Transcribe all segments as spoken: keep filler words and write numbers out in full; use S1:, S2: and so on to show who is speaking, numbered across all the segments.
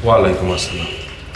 S1: ওয়ালাইকুম আসসালাম।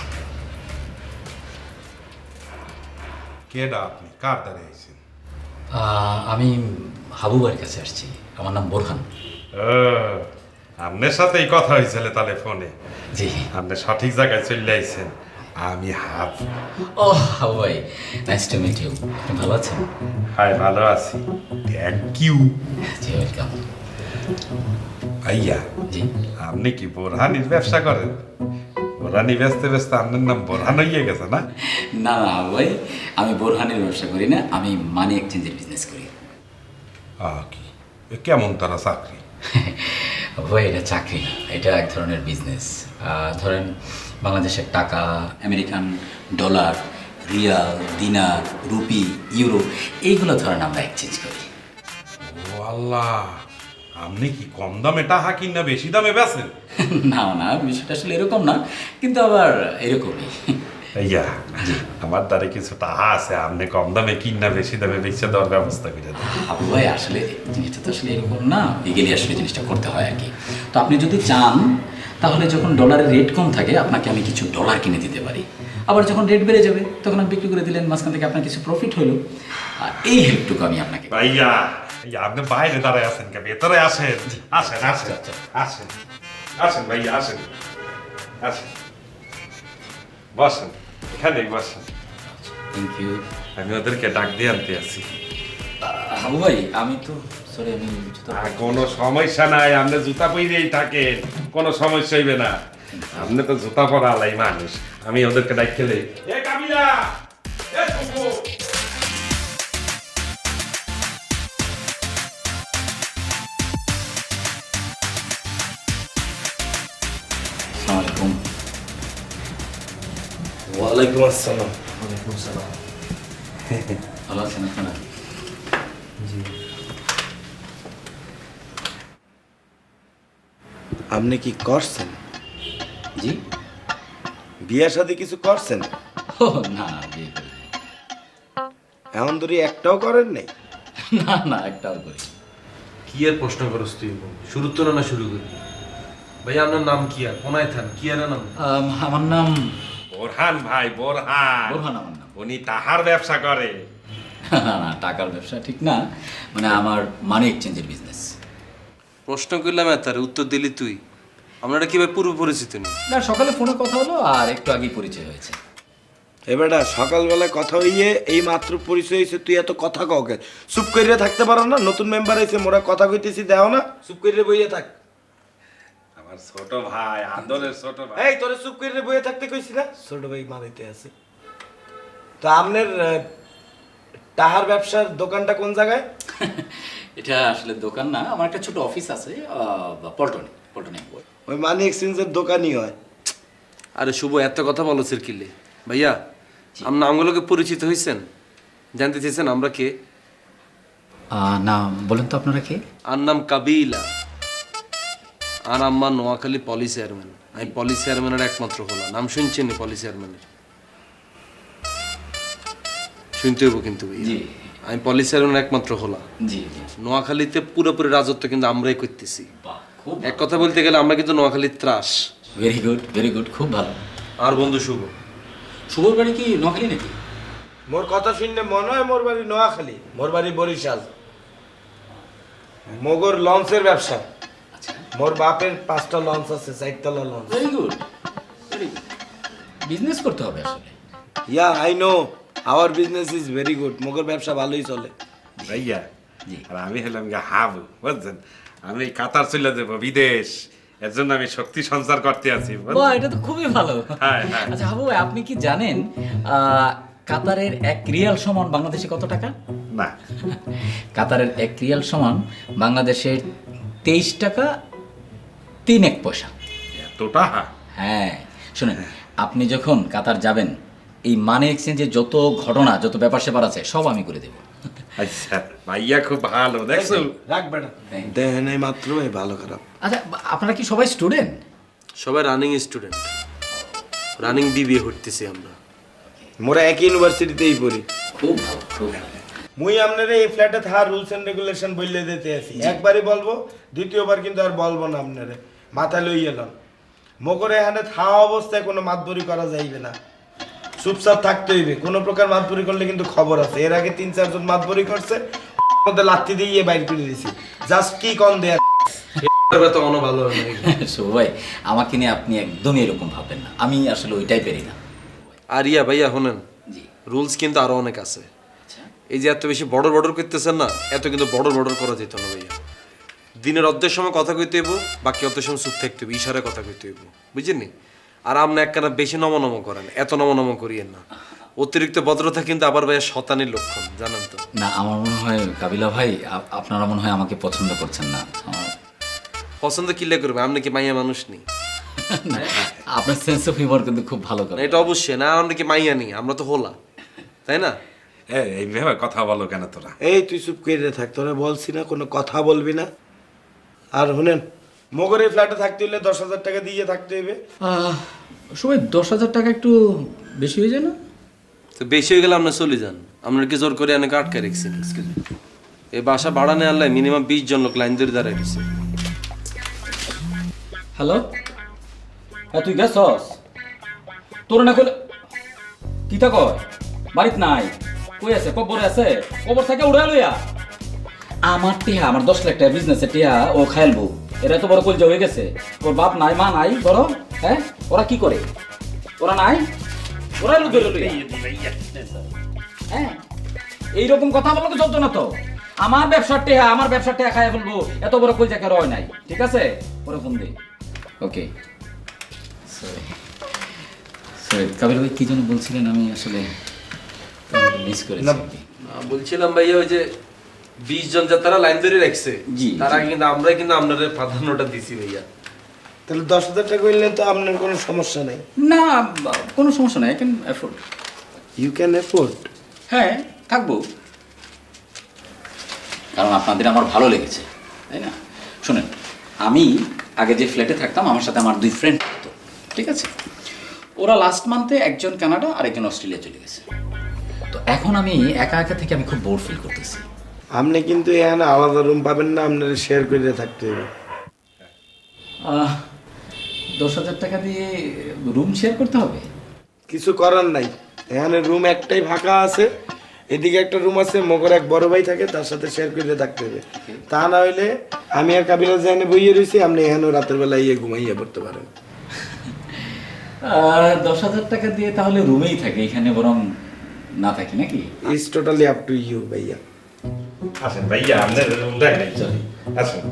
S1: কেডা আপনি? কার দ্বারে আইছেন?
S2: আহ, আমি হাবু ভাইয়ের কাছে আসছি। আমার নাম বোরহান।
S1: ও, আপনার সাথেই কথা হয়েছিল তাহলে ফোনে।
S2: জি।
S1: আপনি সঠিক জায়গায় চলে আইছেন। আমি হাব।
S2: ও হাবু ভাই, নাইস টু মিট ইউ। আপনি ভালো আছেন?
S1: হাই, ভালো আছি। Thank you.
S2: জি, ওয়েলকাম।
S1: আইয়া,
S2: জি।
S1: আপনি কি বোরহানির ব্যবসা করেন? বোরহানি ব্যস্ত ব্যস্ত আপনার নাম বোরহান হইয়ে গেছে না?
S2: না না হাবু ভাই, আমি বোরহানের ব্যবসা করি না, আমি মানি এক্সচেঞ্জের বিজনেস করি।
S1: আহ, কি এ কেমন তারা চাকরি?
S2: হাবু ভাই, এটা চাকরি না, এটা এক ধরনের বিজনেস। ধরেন বাংলাদেশের টাকা, American dollar, riyal, dinar, rupee, euro, এইগুলো ধরেন আমরা এক্সচেঞ্জ করি।
S1: ও আল্লাহ, আপনি কি কম দামে টাকা কিনা বেশি দামে বেচেন?
S2: না না, বিষয়টা আসলে এরকম না, কিন্তু আবার এরকমই।
S1: ইয়া, আমার দ্বারে কিছু টাকা আছে, আপনি কম দামে কিনা বেশি দামে বেচে দেওয়ার ব্যবস্থা করে দেন।
S2: আপু ভাই, আসলে জিনিসটা তো আসলে এরকম না, লিগেলি আসলে জিনিসটা করতে হয় আর কি। তো আপনি যদি চান তাহলে যখন ডলারের রেট কম থাকে আপনাকে আমি কিছু ডলার কিনে দিতে পারি, আবার যখন রেট বেড়ে যাবে তখন আপনি বিক্রি করে দিলেন, মাঝখান থেকে আপনার কিছু প্রফিট হলো। আর এই হেল্পটুকু আমি আপনাকে।
S1: ভাইয়া, ইয়া, আপনি বাইরে দাঁড়ায় আছেন কে? ভেতরে আসেন। আসেন আসেন
S2: আচ্ছা,
S1: আসেন আসেন ভাইয়া, আসেন আসেন, বসেন, এখানেই বসেন।
S2: Thank you.
S1: আমি ওদেরকে ডাক দিয়ে আনতে আছি।
S2: হাবু ভাই, আমি তো সরি, আমি জুতো-
S1: আর কোনো সমস্যা নাই, আপনি জুতা পরেই থাকেন, কোনো সমস্যা হইবে না। আপনি তো জুতা পরা আলাই মানুষ। আমি ওদেরকে ডাক খেলে, এ কাবিলা, এ টুকু।
S2: আসসালামু আলাইকুম।
S3: ওয়ালাইকুম আসসালাম। ওয়ালাইকুম আসসালাম।
S2: ভালো আছেন আপনারা?
S3: জি। আপনি কি করছেন?
S2: জি।
S3: বিয়ে শাদী কিছু করছেন?
S2: ও না, বিয়ে করি নাই।
S3: এমন ধরি একটাও করেন নাই?
S2: না না, একটাও করি।
S4: কি আর প্রশ্ন করস তুই? শুরু তো না শুরু করি। ভাই আপনার নাম কি আর কোনায় থান কি আর নাম?
S2: আম, আমার নাম
S1: বোরহান ভাই, বোরহান।
S2: বোরহান আমার নাম।
S1: উনি তাহার ব্যবসা করে।
S2: না না, টাকার ব্যবসা ঠিক না, মানে আমার মানি এক্সচেঞ্জের বিজনেস।
S4: প্রশ্ন করলাম তার উত্তর দিলি তুই। আপনারা কি ভাই পূর্ব পরিচিত নেই?
S2: না, সকালে ফোনে কথা হলো আর একটু আগেই পরিচয় হয়েছে।
S3: এবারটা সকালবেলায় কথা হইয়ে এই মাত্র পরিচয় হয়েছে, তুই এত কথা কাউকে চুপ করিয়ে থাকতে পারো না? নতুন মেম্বার হয়েছে, মোরা কথা কইতেছি, দেও না? চুপ করিয়ে বইয়ে থাক।
S1: আমার ছোট ভাই, আদরের ছোট ভাই।
S3: এই তোরে চুপ করিয়ে বইয়ে থাকতে কইছি না? ছোট ভাই মারাইতে আছে। তো আপনার আহ, টাহার ব্যবসার দোকানটা কোন জায়গায়?
S2: এটা আসলে দোকান না, আমার একটা ছোট অফিস আছে পল্টনে, পল্টনে।
S3: ওই মানি এক্সচেঞ্জের দোকানই হয়।
S4: আরে শুভ, এত কথা বলো কিলে ভাইয়া? আমরা আমগুলোকে পরিচিত হয়েছেন, জানতে চেয়েছেন আমরা কে?
S2: না, বলেন তো আপনারা কে?
S4: আর নাম কাবিলা। আর আম্মা নোয়াখালী পলি চেয়ারম্যান। আমি পলি চেয়ারম্যানের একমাত্র হলো। নাম শুনছেন পলি চেয়ারম্যানের? শুনতে হইব কিন্তু ভাইয়া।
S2: জি।
S4: আমি পলি চেয়ারম্যানের একমাত্র হলো।
S2: জি জি।
S4: নোয়াখালীতে পুরোপুরি রাজত্ব কিন্তু আমরাই করতেছি।
S2: বাহ, খুব
S4: এক কথা বলতে গেলে আমরা কিন্তু নোয়াখালীর ত্রাস।
S2: ভেরি গুড, ভেরি গুড, খুব ভালো।
S4: আর বন্ধু শুভ,
S2: শুভর বাড়ি কি নোয়াখালী নাকি?
S3: মোর কথা শুনলে মনে হয় মোর বাড়ি নোয়াখালী, মোর বাড়ি বরিশাল। মগর লঞ্চের ব্যবসা।
S2: আচ্ছা,
S3: মোর বাপের পাঁচটা লঞ্চ আছে, চারতলা launch.
S2: Very good, very good. Business করতে হবে আসলে।
S3: Yeah I know, our business is very good. মগর ব্যবসা ভালোই চলে।
S1: ভাইয়া,
S2: জি।
S1: আর আমি হলাম গিয়ে হাবু, বুঝছেন? আমি কাতার চলে যাবো, বিদেশ। এর জন্য আমি শক্তি সঞ্চার করতে আছি, বুঝছেন?
S2: বাহ, এটা তো খুবই ভালো।
S1: হ্যাঁ, হ্যাঁ।
S2: আচ্ছা হাবু ভাই, আপনি কি জানেন আহ, কাতারের এক রিয়াল সমান বাংলাদেশে কত টাকা?
S1: না।
S2: কাতারের এক রিয়াল সমান বাংলাদেশের তেইশ টাকা তিন এক পয়সা।
S1: এত টাকা?
S2: হ্যাঁ, শুনেন, আপনি যখন কাতার যাবেন এই মানি এক্সচেঞ্জের যত ঘটনা, যত ব্যাপার স্যাপার আছে সব আমি করে দেবো।
S1: আচ্ছা, ভাইয়া খুব ভালো, দেখছো?
S3: রাখবে না দেখেন এই মাত্র, এই ভালো খারাপ।
S2: আচ্ছা, আপনারা কি সবাই স্টুডেন্ট?
S4: সবাই রানিং স্টুডেন্ট, রানিং বিবিএ করতেছি আমরা।
S3: মোরা একই ইউনিভার্সিটিতেই পড়ি।
S2: খুব ভালো, খুব ভালো।
S3: মুই আপনারা এই ফ্ল্যাটে থাকার রুলস এন্ড রেগুলেশন বললে দিতে আছি। একবারই বলবো, দ্বিতীয়বার কিন্তু আর বলবো না আপনারে। মাথা লই এলাম। মগরে এখানে থাওয়া অবস্থায় কোনো মাতবরি করা যাইবে না, চুপচাপ থাকতে হইবে। কোনো প্রকার মাতবরি করলে কিন্তু খবর আছে। এর আগে তিন চারজন মাতবরি করছে, মধ্যে লাত্তি দিয়ে বাইর করে দিয়েছি। জাস্ট কি কম দেয়া
S4: তো অন্য ভালো হয় না।
S2: শুভ ভাই, আমাকে নিয়ে আপনি একদমই এরকম ভাববেন না, আমি আসলে ওইটাই পেরি না।
S4: আর ইয়া ভাইয়া শোনেন,
S2: জি
S4: রুলস কিন্তু আরো অনেক আছে।
S2: আচ্ছা
S4: এই যে এত বেশি বর্ডার বর্ডার করতেছেন না, এত কিন্তু বর্ডার বর্ডার করা যেত না ভাইয়া। দিনের অর্ধের সময় কথা কইতে হইব, বাকি অর্ধের সময় চুপ থাকতে হইব, ইশারায় কথা কইতে হইব, বুঝছেন নি? আর আপনি একখানা বেশি নমনম করেন, এত নমনম করিয়েন না। অতিরিক্ত ভদ্রতা কিন্তু আবার ভাইয়া শতানির লক্ষণ, জানেন তো?
S2: না, আমার মনে হয় কাবিলা ভাই আ- আপনারা মনে হয় আমাকে পছন্দ করছেন না। আমার
S4: পছন্দ কিলে করবে, আপনি কি মাইয়া মানুষ নি?
S2: না, আপনার সেন্স অফ হিউমার কিন্তু খুব ভালো
S4: না,
S2: করে।
S4: এটা অবশ্যই না, আমরা কি মাইয়া নি, আমরা তো হোলা, তাই না?
S1: এ, এইভাবে কথা বলো কেন তোরা?
S3: এই তুই চুপ করে থাক, তোরা বলছি না কোনো কথা বলবি না। আর শুনেন, মগরের ফ্ল্যাটে থাকতে হলে দশ হাজার টাকা দিয়ে থাকতে হইবে।
S2: সবাই দশ হাজার টাকা একটু বেশি হয়ে যায় না?
S4: তো বেশি হয়ে গেলে আপনার চলে যান, আপনার কি জোর করে অনেক আটকে রেখেছি। এই বাসা ভাড়া নেই আনলে মিনিমাম বিশ জন লোক লাইন ধরে দাঁড়ায় রয়েছে।
S2: হ্যালো, হ্যাঁ তুই গেছস? তোর না কইলে কি তা কয় বাড়িত নাই, কই আছে? কবরে আছে? কবর থেকে উড়া লইয়া আমার টিহা, আমার দশ লাখ টাকা বিজনেসে টিহা ও খাইলবো। এরা তো বড় কলজা হয়ে গেছে, ওর বাপ নাই মা নাই বড়। হ্যাঁ, ওরা কি করে? ওরা নাই, ওরা লুকে লইয়া। হ্যাঁ, এইরকম কথা বললে তো চলতো না তো। আমার ব্যবসার টেহা, আমার ব্যবসার টেহা খাই ফেলবো, এত বড় কলজা কেন হয় নাই? ঠিক আছে, ওরা ফোন দে। ওকে, সরি সরি কাবিল ভাই, কি যেন বলছিলেন? আমি আসলে মিস করেছি।
S3: না,
S4: আহ, বলছিলাম ভাইয়া ওই যে বিশ জন যা তারা লাইন ধরে রাখছে,
S2: জি,
S4: তারা কিন্তু আমরাই কিন্তু আপনাদের প্রাধান্যটা দিছি ভাইয়া।
S3: তাহলে দশ হাজার টাকা করলে তো আপনার কোনো সমস্যা নেই।
S2: না, কোনো সমস্যা নাই, I can afford.
S3: You can afford.
S2: হ্যাঁ, থাকবো, কারণ আপনাদের আমার ভালো লেগেছে, তাই না? শুনেন, আমি আগে যে ফ্ল্যাটে থাকতাম, আমার সাথে আমার দুই ফ্রেন্ড থাকতো, ঠিক আছে? ওরা লাস্ট মান্থে একজন কানাডা আর একজন অস্ট্রেলিয়া চলে গেছে। তো এখন আমি একা একা থেকে আমি খুব বোর ফিল করতেছি।
S3: আপনি কিন্তু এখানে আলাদা রুম পাবেন না, আপনার শেয়ার করে থাকতে হবে।
S2: আহ, দশ হাজার টাকা দিয়ে রুম শেয়ার করতে হবে?
S3: কিছু করার নাই, এখানে রুম একটাই ফাঁকা আছে, এদিকে একটা রুম আছে, মগর এক বড় ভাই থাকে, তার সাথে শেয়ার করে থাকতে হবে। তা না হইলে আমি আর কাবিলা যেখানে বইয়ে রয়েছি, আপনি এখানেও রাতের বেলা ইয়ে ঘুমাইয়ে পড়তে পারেন।
S2: আহ, দশ হাজার টাকা দিয়ে তাহলে রুমেই থাকে, এখানে বরং না থাকি নাকি?
S3: It's totally up to you ভাইয়া।
S1: আসেন ভাইয়া, আপনার দেখেন, আসেন।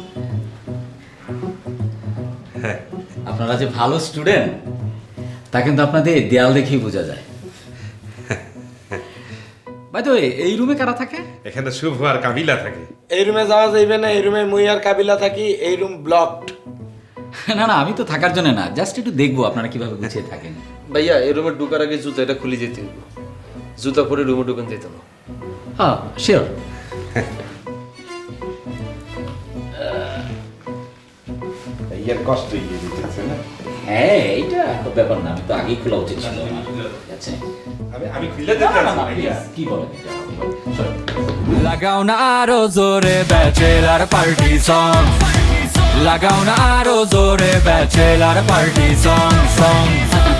S1: হ্যাঁ,
S2: আপনারা যে ভালো স্টুডেন্ট তা কিন্তু আপনাদের দেয়াল দেখেই বোঝা যায়। ভাই তো এই রুমে কারা থাকে?
S1: এখানে শুভ আর কাবিলা থাকে।
S3: এই রুমে যাওয়া যাইবে না, এই রুমে মুই আর কাবিলা থাকি, এই রুম ব্লকড।
S2: না না, আমি তো থাকার জন্য না, জাস্ট একটু দেখবো আপনারা কিভাবে গুছিয়ে থাকেন।
S4: ভাইয়া এই রুমে ঢুকার আগে জুতা এটা খুলে যেতে হইব, জুতা পরে রুমে ঢুকান যেত না।
S2: হ্যাঁ শিওর।
S1: ইয়ার কষ্ট ইয়ে দিতেছে না?
S2: হ্যাঁ, এইটা ব্যাপার না, আমি তো আগেই খোলা উচিত ছিল আমার। আচ্ছা,
S1: আমি আমি খুলে দিতে আছি ভাইয়া।
S2: কি বলেন এটা? Sorry.
S5: লাগাও না আরো জোরে ব্যাচেলার পার্টি সং, লাগাও না আরো জোরে ব্যাচেলার পার্টি সং সং